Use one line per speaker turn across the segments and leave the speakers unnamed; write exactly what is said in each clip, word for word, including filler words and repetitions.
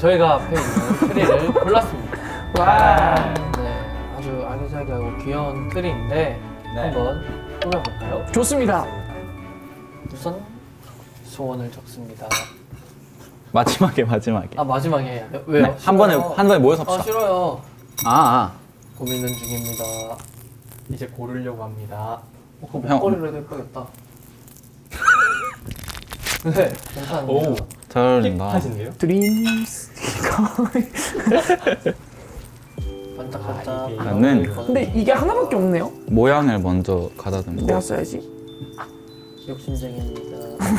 저희가 앞에 있는 트리를 골랐습니다.
와.
네, 아주 아기자기하고 귀여운 트리인데
네.
한번 꾸며볼까요?
좋습니다.
우선 소원을 적습니다.
마지막에 마지막에.
아 마지막에 해야 돼요? 왜요?
네, 한 번에
싫어요.
한 번에 모여서
아
합시다.
싫어요.
아, 아.
고민은 중입니다. 이제 고르려고 합니다. 어, 그
형.
목걸이로 해도 예쁘겠다. 네, 괜찮은데요?
오.
잘 어울린다.
하신데요?
드림스.
반짝반짝.
아, 이게-
나는
근데 이게 하나밖에 없네요.
모양을 먼저 가다듬고.
내가 써야지.
욕심쟁이입니다.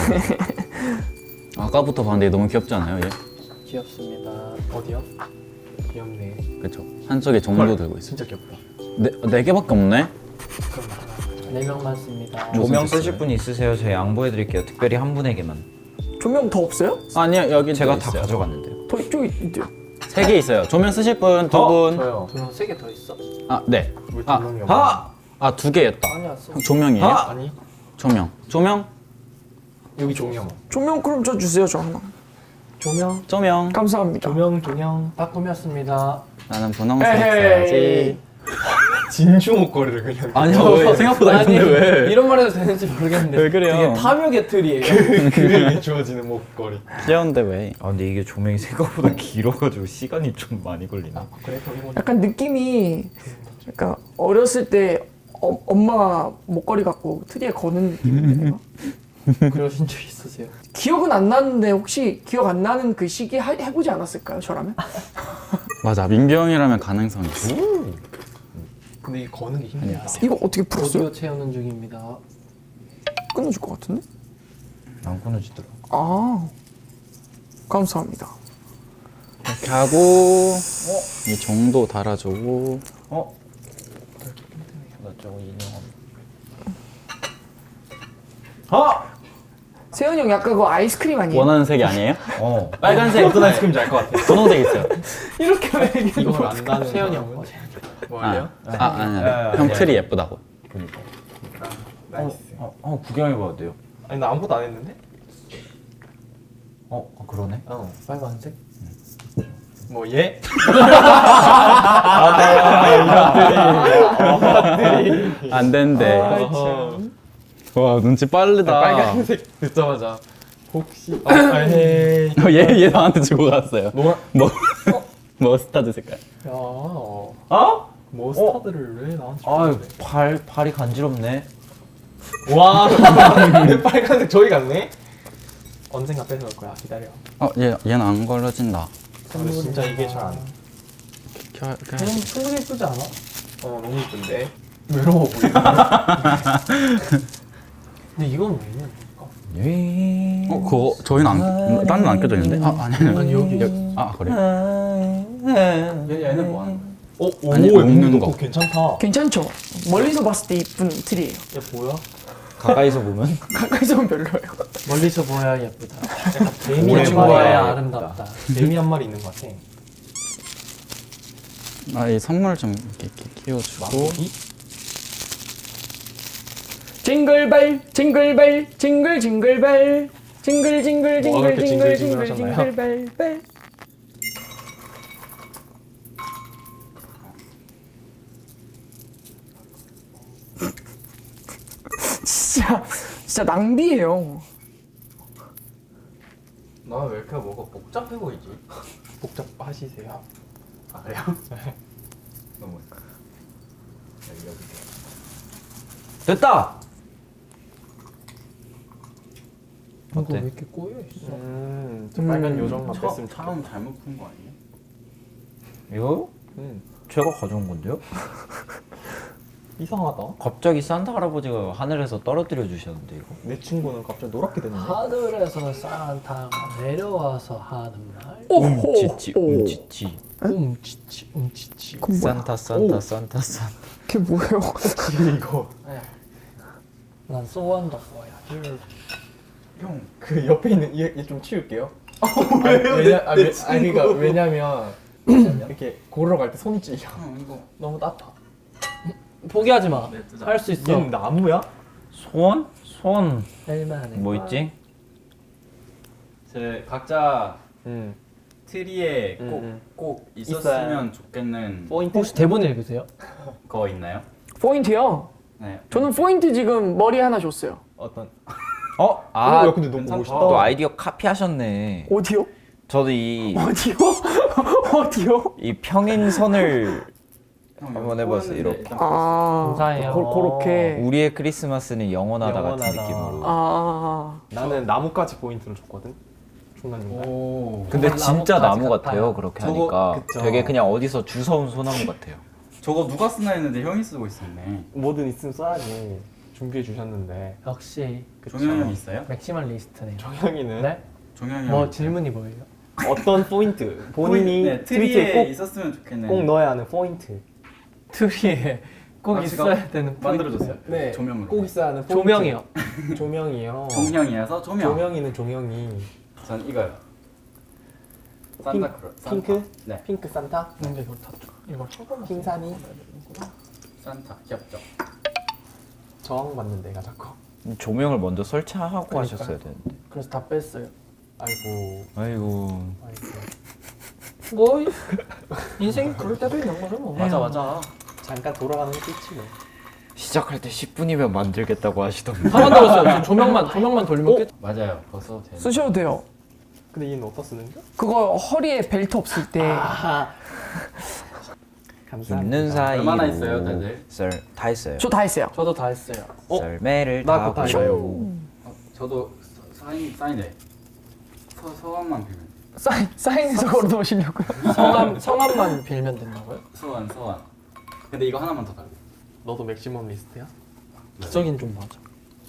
아까부터 봤는데 너무 귀엽지 않아요, 얘?
귀엽습니다.
어디요? 귀엽네.
그쵸? 한쪽에 종도 들고 있어.
진짜 귀엽다.
네, 네 개밖에 없네?
그럼 하나, 네 명만 씁니다.
무슨
조명
뜻이에요?
쓰실 분 있으세요? 저희 양보해드릴게요. 특별히 한 분에게만.
조명 더 없어요?
아니요, 여기
제가
또
다
있어요.
가져갔는데요.
더 이쪽에 있대요.
세 개 있어요. 조명 쓰실 분 두
어?
분.
저요.
조명 세 개 더 있어?
아, 네.
왜
아,
조명이 없나?
하!
아, 두 개였다.
아니야, 써.
형, 조명이에요?
아!
아니
조명. 조명?
여기 조명.
조명 그럼 저 주세요, 저 하나.
조명
조명.
감사합니다.
조명 조명.
다 꾸몄습니다.
나는 분홍색
에헤이.
써야지.
진주 목걸이를 그냥.
아니요, 왜? 생각보다
아니,
예쁜데 왜?
이런 말 해도 되는지 모르겠는데
왜 그래요?
되게 탐욕의 틀이에요.
그에게 주어지는 목걸이.
귀여운데 왜?
아 근데 이게 조명이 생각보다 길어가지고 시간이 좀 많이 걸리네.
그래, 거기 보니
약간 느낌이 약간 어렸을 때 어, 엄마 목걸이 갖고 트리에 거는 느낌인데 내가?
그러신 적 있으세요?
기억은 안 나는데 혹시 기억 안 나는 그 시기 하, 해보지 않았을까요, 저라면?
맞아, 민규 형이라면 가능성이 있어.
근데 이게 거는 게 힘들다.
이거 어떻게 풀었어요?
오디오 채우는 중입니다.
끊어질 것 같은데?
안 끊어지더라.
아, 감사합니다.
이렇게 하고 이 종도 달아주고.
어? 나 저거 인형. 아!
세현이 형 약간 그거 아이스크림 아니에요?
원하는 색이 아니에요?
어.
빨간색.
어떤 아이스크림인지 알 것 같아.
분홍색 있어요.
이렇게 왜 이게
이걸 안다는
세현이
사람은
형.
뭐예요?
아, 아, 아니,
아,
아니. 형
아,
틀이 예쁘다고.
그니까.
나이스.
어, 어 구경해봐도 돼요?
아니 나 아무것도 안 했는데?
어, 어 그러네.
어.
빨간색?
뭐 얘?
안 된대.
어허.
와, 눈치 빠르다.
빨간색 듣자마자 혹시 아, 아 헤이.
어, 얘, 얘 나한테 주고 갔어요.
노란
뭐, 머스타드 색깔.
야, 어?
머스타드를 왜 나한테
아,
줬는데?
발 발이 간지럽네.
와 빨간색 저기 갔네? 언젠가 뺏어올 거야 기다려.
어, 얘, 얘는 안 걸러진다.
근데 진짜 이게 잘 안.
켜, 켜.
그냥 충분히 예쁘지 않아?
어 너무 이쁜데 외로워 보이네.
근데 이건 왜냐?
어, 그거 저희는 안, 딴 데는 안 껴져 있는데? 아, 아니, 아니.
아니 여기 여기
아, 그래?
얘, 얘는 뭐 하는 거야?
어? 오
아니,
얘
먹는
먹는
거.
거 괜찮다.
괜찮죠? 멀리서 봤을 때 이쁜 트리예요.
얘 뭐야?
가까이서 보면
가까이서 보면 별로예요.
멀리서 보여야 예쁘다.
약간 개미
오래
한
보아야
마리
보여야
예쁘다.
아름답다.
개미 한 마리 있는 것 같아.
아, 이 선물 좀 이렇게, 이렇게 끼워주고.
마구이?
징글벨, 징글벨, 징글 징글벨, 징글 징글
뭐가
징글
그렇게
징글 징글
징글징글하셨나요?
징글벨 벨. 진짜 진짜 낭비예요.
나 왜 이렇게 뭐가 복잡해 보이지? 복잡하시세요? 아 그래요? 너무 여기 여기.
됐다.
이거
어때?
왜 이렇게 꼬여 있어?
음, 저 빨간
음,
요정만
처,
뺐으면
처음 잘못 푼 거 아니에요?
이거
음,
제가 가져온 건데요?
이상하다.
갑자기 산타 할아버지가 하늘에서 떨어뜨려 주셨는데 이거.
내 친구는 갑자기 노랗게 됐는데.
하늘에서 산타가 내려와서 하는 말.
오호.
움치치 움치치.
움치치 움치치.
그건 뭐야?
산타 산타
오.
산타 산타.
그게 뭐예요?
이거
난 소원도 뭐야.
형 그 옆에 있는 얘 좀 치울게요. 왜요? 왜냐 아, 왜, 아니 그러니까 왜냐면 이렇게 고르러 갈 때 손이 찔려.
형, 이거.
너무 따뜻하.
포기하지 마. 할 수 있어.
얘는 나무야?
소원? 소원
할만해.
뭐 있지?
제 각자
응.
트리에
음,
꼭,
음.
꼭
있어야.
있었으면 좋겠는
포인트?
혹시 대본 읽으세요?
거 있나요?
포인트요?
네.
저는 포인트 지금 머리 하나 줬어요.
어떤?
어?
아,
아,
야, 근데 너무
괜찮다.
멋있다.
또 아이디어 카피하셨네.
어디요?
저도 이,
어디요? 어디요?
이 평행선을
형,
한번
여기
해봤어요,
꼬였는데
이렇게.
일단
아,
감사해요.
고, 그렇게.
우리의 크리스마스는 영원하다 같은
영원하다.
느낌으로.
아,
나는 나뭇가지 포인트를 줬거든. 중간중간.
오.
근데
나뭇가지
진짜 나무
같아요.
같아요. 그렇게
저거,
하니까
그쵸.
되게 그냥 어디서 주워온 소나무 같아요.
저거 누가 쓰나 했는데 형이 쓰고 있었네.
뭐든 있으면 써야지. 준비해 주셨는데.
역시
종현이 형 있어요?
맥시멀리스트네요.
정영이는
네?
종현이
뭐
형.
질문이 뭐예요?
어떤 포인트? 본인이
네,
트위터에
트리에
꼭,
있었으면 좋겠네.
꼭 넣어야 하는 포인트.
트리에 꼭
아,
있어야
제가
되는
만들어줬어요.
네,
조명으로.
꼭 있어야 하는 포인트.
조명이요.
조명이요.
종영이어서 조명.
조명이는 종영이.
전 이거요. 산타크로. 산타.
핑크?
네.
핑크 산타?
근데 이걸 다 이걸 쳐보면
핑산이?
산타 귀엽죠.
저항받는 데가 자꾸.
조명을 먼저 설치하고
그러니까요.
하셨어야 되는데.
그래서 다 뺐어요.
아이고.
아이고.
아이고.
뭐 인생이 그럴 때도 있는 거죠 뭐.
맞아 맞아. 잠깐 돌아가는 게 끝이네.
시작할 때 십 분이면 만들겠다고 하시던데.
다 만들었어요. 지금 조명만 조명만 돌리면
어?
끝.
맞아요. 벌써 돼.
쓰셔도 돼요.
근데 얘는 어디다 쓰는 거야?
그거 허리에 벨트 없을 때.
아. 감사합니다.
있는 사이로.
얼마나 있어요, 다들?
썰, 다 했어요.
저 다 했어요.
저도 다 했어요.
어?
썰매를
나 그거 다
타고.
해봐요.
어, 저도 서- 사인 사인해. 서 서원만 빌면.
사인, 사인해서 걸어놓으시려고요?
성함 성함만 빌면 된다고요?
서원 서원. 근데 이거 하나만 더 달래.
너도 맥시멈 리스트야?
기적인 좀 맞아.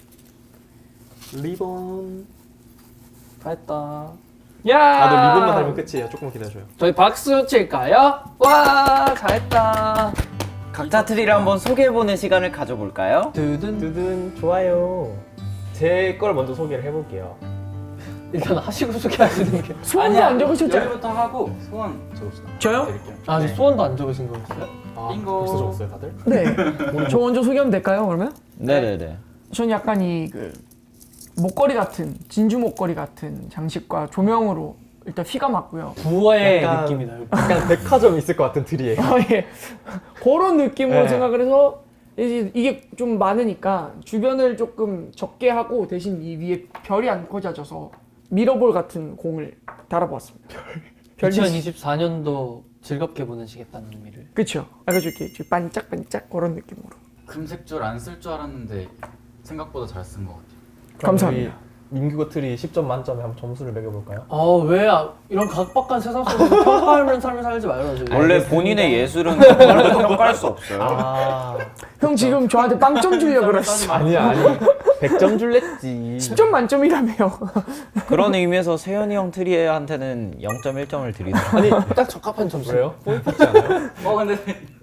리본.
다 했다. 야.
나도 리본만 달면 끝이에요. 조금 기다려줘요.
저희 박수 칠까요? 와, 잘했다.
각자 트리를 한번 소개해보는 시간을 가져볼까요?
두둔.
두둔 좋아요. 제 걸 먼저 소개를 해볼게요.
일단 하시고 소개하시는 게.
소원도 안 적으셨죠?
여기부터 하고 소원 적읍시다.
저요?
드릴게요.
아, 아직
네.
소원도 안 적으신 거였어요?
아,
빙고.
벌써 적었어요, 다들?
네. 저 먼저 소개하면 될까요, 그러면?
네네네.
전 약간 이 그 목걸이 같은, 진주 목걸이 같은 장식과 조명으로 일단 휘가 맞고요.
부어의
약간-
느낌이다.
약간 백화점 있을 것 같은 트리예요.
아, 예. 그런 느낌으로
네.
생각을 해서 이제 이게 좀 많으니까 주변을 조금 적게 하고 대신 이 위에 별이 안 꽂아져서 미러볼 같은 공을 달아보았습니다. 별.
이천이십사 년도 즐겁게 보내시겠다는 의미를.
그쵸. 그래가지고 이렇게 좀 반짝반짝 그런 느낌으로.
금색줄 안 쓸 줄 알았는데 생각보다 잘 쓴 것 같아요.
감사합니다.
민규고 트리 십 점 만점에 한번 점수를 매겨볼까요?
아, 왜 아, 이런 각박한 세상 속에서 평가하는 삶을 살지 말아야지.
원래 본인의 예술은 그걸로 평가할 수 없어요.
아,
형 지금 저한테 빵점 주려고 그러시죠?
아니야, 아니. 백 점 줄랬지.
십 점 만점이라며요.
그런 의미에서 세현이 형 트리한테는 영 점 일 점을 드리도록.
아니,
딱 적합한 점수.
왜요? 포인트 있지 않아요?
어 근데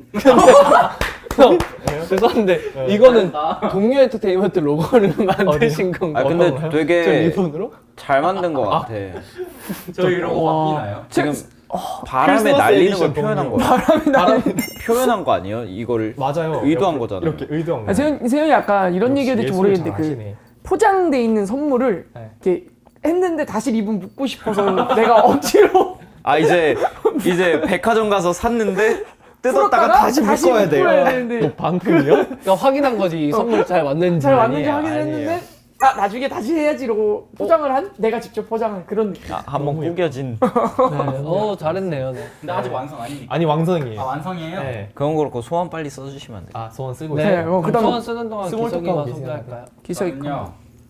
형, 죄송한데 이거는 동료 엔터테인먼트 로고를 만드신 건가요?
아 근데
어떤가요? 저
되게
리본으로?
잘 만든 것 같아.
저 이런 거
와.
바뀌나요?
지금 바람에
크리스마스
날리는
에디션
걸 표현한
동료.
거야. 바람에 표현한 거 아니에요? 이거를
맞아요.
의도한
이렇게,
거잖아요.
이렇게 의도한 거.
아, 세현, 세현이 약간 이런 얘기가 될지 모르겠는데 그 포장돼 있는 선물을
네.
이렇게 했는데 다시 리본 묶고 싶어서 내가 억지로
아 이제 이제 백화점 가서 샀는데 뜯었다가
풀었다가
다시 묶어야 돼요.
묶어야 되는데
방금이요?
그러니까 확인한 거지 이 선물 잘 왔는지.
잘 왔는지
아니에요,
확인했는데
아니에요.
아 나중에 다시 해야지 이러고 포장을 한 내가 직접 포장한 그런 느낌.
아, 한번 구겨진.
네. 어, 잘했네요. 네.
근데 아직 완성 아니니까.
아니 왕성이에요.
아 완성이에요?
네.
그건 그렇고 소원 빨리 써주시면 안 돼요.
아 소원 쓰고
네,
있어요.
어,
그럼
그다음-
소원 쓰는 동안
스몰
기석이가
톡하고 계세요.
소개할까요?
기사 있고.
저는요.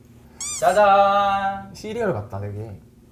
짜잔.
시리얼 같다 되게.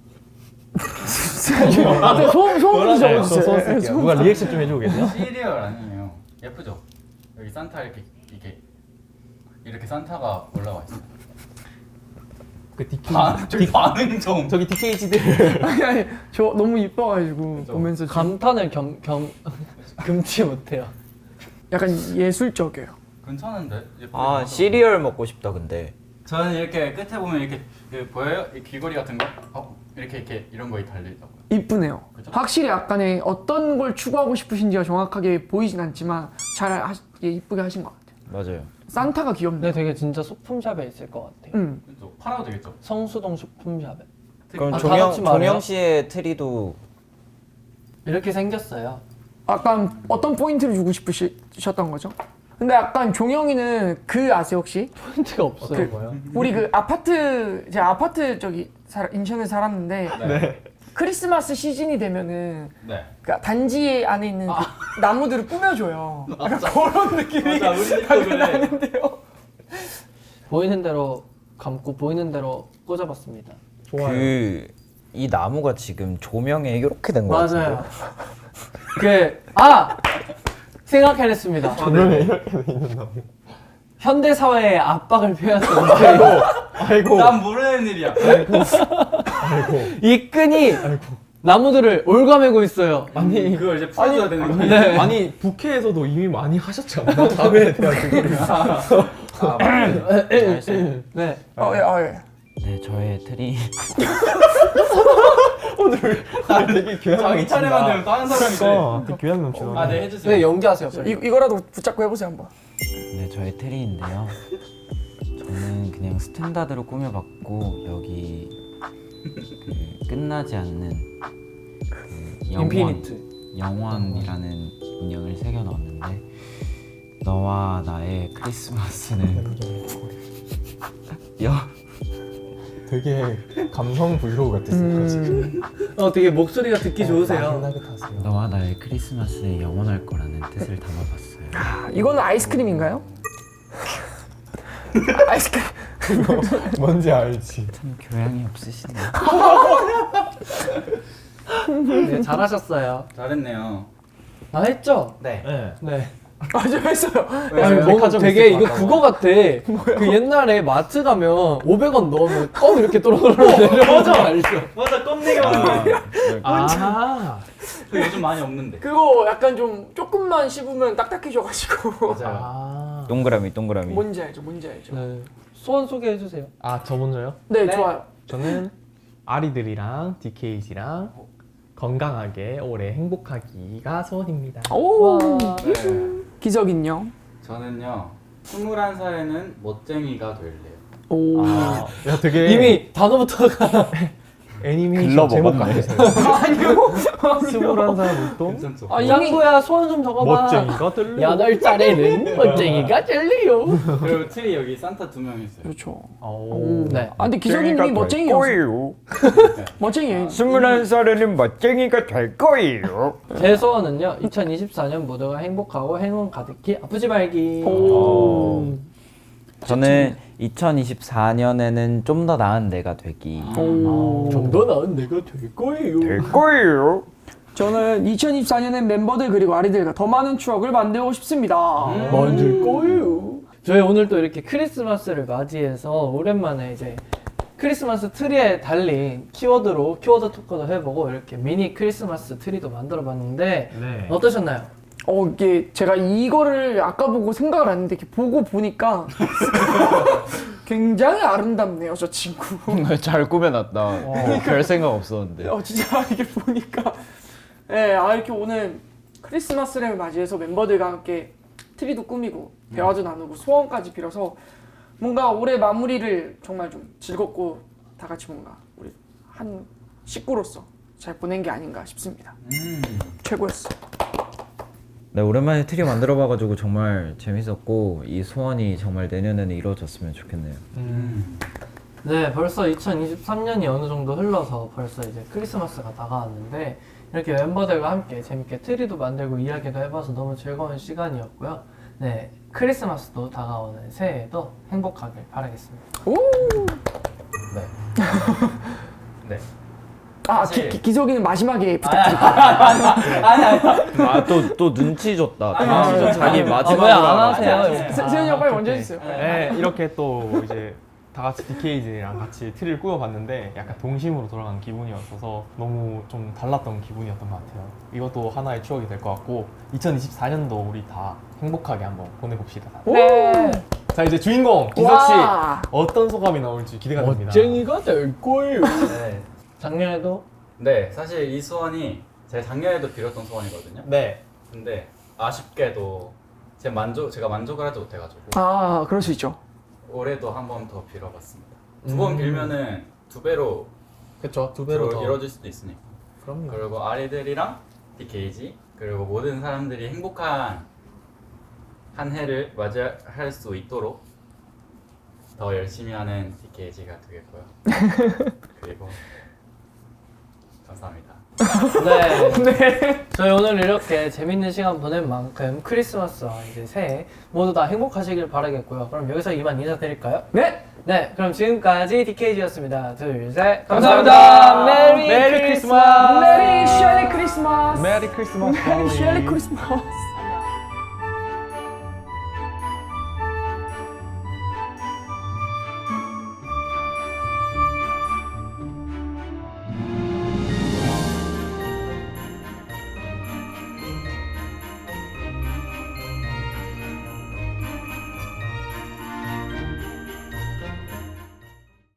아, 네, 소음 소음도
네, 저
적어주세요.
소원
네,
쓸게요.
소음.
누가 리액션 좀 해주겠냐?
시리얼 아니에요. 예쁘죠? 여기 산타 이렇게 이게 이렇게 산타가 올라와 있어요.
그 디케이
반 저기 반응 좀.
저기 디케이지들.
아니 아니 저 너무 이뻐가지고
그죠.
보면서 좀
감탄을 겸, 겸 금치 못해요.
약간 예술적이에요.
괜찮은데? 예쁘게
아
나와서.
시리얼 먹고 싶다 근데.
저는 이렇게 끝에 보면 이렇게 그 보여요? 이 귀걸이 같은 거? 어 이렇게 이렇게 이런 거에 달리더라고요.
이쁘네요.
그죠?
확실히 약간의 어떤 걸 추구하고 싶으신지가 정확하게 보이진 않지만 잘 하, 예, 이쁘게 하신 것 같아요.
맞아요.
산타가 귀엽네.
근데 되게 진짜 소품샵에 있을 것 같아요.
음.
그죠? 팔아도 되겠죠?
성수동 소품샵에.
그럼
아, 다
종영
같이 말해요?
종영 씨의 트리도
이렇게 생겼어요.
약간 어떤 포인트를 주고 싶으셨던 거죠? 근데 약간 종영이는 그 아세요 혹시?
포인트가 없어요.
그, 우리 그 아파트 제 아파트 저기 살, 인천에 살았는데
네.
크리스마스 시즌이 되면은
네.
그러니까 단지 안에 있는 그 나무들을 꾸며줘요. 약간 그런 느낌이
맞아, 우리 집도
약간
그래.
나는데요.
보이는 대로 감고 보이는 대로 꽂아봤습니다.
그 이 나무가 지금 조명에 이렇게 된 거 같은데.
맞아요. 그 아 생각해냈습니다.
조명에 이렇게 돼 있는 나무.
현대 사회의 압박을 표현하는데
아이고.
난 모르는 일이야.
이 끈이 나무들을 올가매고 있어요.
아니
그걸 이제 풀어줘야 되는 거야.
네.
아니 부캐에서도 이미 많이 하셨지 않나? 다음에 대한 그거를.
아, 맞아요.
네.
어, 예, 어, 예.
네, 저의 트리.
아, 되게 교양
자기 차례만 되면 다른 사람이 돼.
아, 되게 교양 넘치다.
아, 네 해주세요.
네 연기하세요.
이, 이거라도 붙잡고 해보세요 한번.
네, 저의 트리인데요. 저는 그냥 스탠다드로 꾸며봤고 여기 그 끝나지 않는 그 영원,
인피니트.
영원이라는 인형을 새겨 넣었는데 너와 나의 크리스마스는 여
되게 감성 브이로그 같았어요. 지금.
어 되게 목소리가 듣기 좋으세요.
신나게 타세요.
너와 나의 크리스마스에 영원할 거라는 뜻을 담아봤어요.
아, 이거는 아이스크림인가요? 아이스크림.
뭔지 알지.
참 교양이 없으시네요.
네 잘하셨어요.
잘했네요.
아 했죠?
네.
네.
네.
아주 했어요.
아니,
네,
뭐
백화점
되게
있을 것
이거
같다고.
그거 같아. 그 옛날에 마트 가면 오백 원 넣으면 껌 이렇게 또르르 내려오는 거 알죠?
맞아, 껌내기 하는 거.
아.
그 요즘 많이 없는데.
그거 약간 좀 조금만 씹으면 딱딱해져가지고.
맞아요.
아.
동그라미 동그라미.
뭔지 알죠? 뭔지 알죠?
네. 소원 소개해 주세요.
아, 저 먼저요?
네,
네.
좋아요.
저는 아리들이랑 디케이지랑 건강하게 오래 행복하기가 소원입니다.
오,
네.
기적인요.
저는요, 스물한 살에는 멋쟁이가 될래요.
오.
아, 야, 되게
이미 단어부터가
애니메이션
글러
제목
먹었네.
같아요.
아니요.
스물한 살 보통
괜찮죠?
아 짱구야 소원 좀 적어봐.
멋쟁이가 될래.
여덟 살에는 멋쟁이가 될래요.
그리고 트리 여기 산타 두 명 있어요.
그렇죠.
오.
네.
아, 근데 기적이님이 멋쟁이였어.
거예요.
멋쟁이에요.
스물한 살에는 멋쟁이가 될 거예요.
제 소원은요. 이천이십사 년 모두가 행복하고 행운 가득히 아프지 말기.
오.
저는 이천이십사 년에는 좀 더 나은 내가 되기.
오.
좀 더 나은 내가 될 거예요.
될 거예요.
저는 이천이십사 년엔 멤버들 그리고 아리들과 더 많은 추억을 만들고 싶습니다.
만들 거예요. 저희 오늘 또 이렇게 크리스마스를 맞이해서 오랜만에 이제 크리스마스 트리에 달린 키워드로 키워드 토크도 해보고 이렇게 미니 크리스마스 트리도 만들어봤는데
네.
어떠셨나요?
어, 이게 제가 이거를 아까 보고 생각을 안 했는데 이렇게 보고 보니까 굉장히 아름답네요, 저 친구.
잘 꾸며놨다. 별 생각 없었는데.
어, 진짜 이게 보니까. 네, 아, 이렇게 오늘 크리스마스를 맞이해서 멤버들과 함께 트리도 꾸미고 대화도 나누고 소원까지 빌어서 뭔가 올해 마무리를 정말 좀 즐겁고 다 같이 뭔가 우리 한 식구로서 잘 보낸 게 아닌가 싶습니다.
음.
최고였어.
네, 오랜만에 트리 만들어봐가지고 정말 재밌었고 이 소원이 정말 내년에는 이루어졌으면 좋겠네요.
음.
네, 벌써 이천이십삼 년이 어느 정도 흘러서 벌써 이제 크리스마스가 다가왔는데 이렇게 멤버들과 함께 재밌게 트리도 만들고 이야기도 해봐서 너무 즐거운 시간이었고요. 네, 크리스마스도 다가오는 새해에도 행복하길 바라겠습니다.
오!
네. 네.
아,
사실-
기, 기, 기석이는 마지막에 부탁드릴게요.
아, 또, 또 눈치 줬다. 눈치 줬 자기
아,
마지막으로
왜 안
하라.
하세요?
세- 세현이 형 빨리 먼저 해주세요.
네, 이렇게 또 이제 다 같이 디케이즈랑 같이 트리를 꾸며봤는데 약간 동심으로 돌아간 기분이었어서 너무 좀 달랐던 기분이었던 것 같아요. 이것도 하나의 추억이 될 것 같고 이천이십사 년도 우리 다 행복하게 한번 보내봅시다.
네.
자, 이제 주인공 기석 씨
와.
어떤 소감이 나올지 기대가 됩니다.
멋쟁이가 될 거예요.
네.
작년에도
네, 사실 이 소원이 제가 작년에도 빌었던 소원이거든요.
네.
근데 아쉽게도 제 만족, 제가 만족을 하지 못해가지고
아, 그럴 수 있죠.
올해도 한 번 더 빌어봤습니다. 두 번
음.
빌면은 두 배로
그렇죠. 두
배로
배로 더.
이루어질 수도 있으니까.
그럼요.
그리고 아리들이랑 디케이지 그리고 모든 사람들이 행복한 한 해를 맞이할 수 있도록 더 열심히 하는 디케이지가 되겠고요. 그리고 감사합니다.
네. 저희 오늘 이렇게 재밌는 시간 보낸 만큼 크리스마스와 이제 새해 모두 다 행복하시길 바라겠고요. 그럼 여기서 이만 인사드릴까요?
네.
네, 그럼 지금까지 디케이지였습니다. 둘, 셋.
감사합니다.
메리,
메리
크리스마스.
메리 셜리 크리스마스.
메리 크리스마스.
메리 셜리 크리스마스.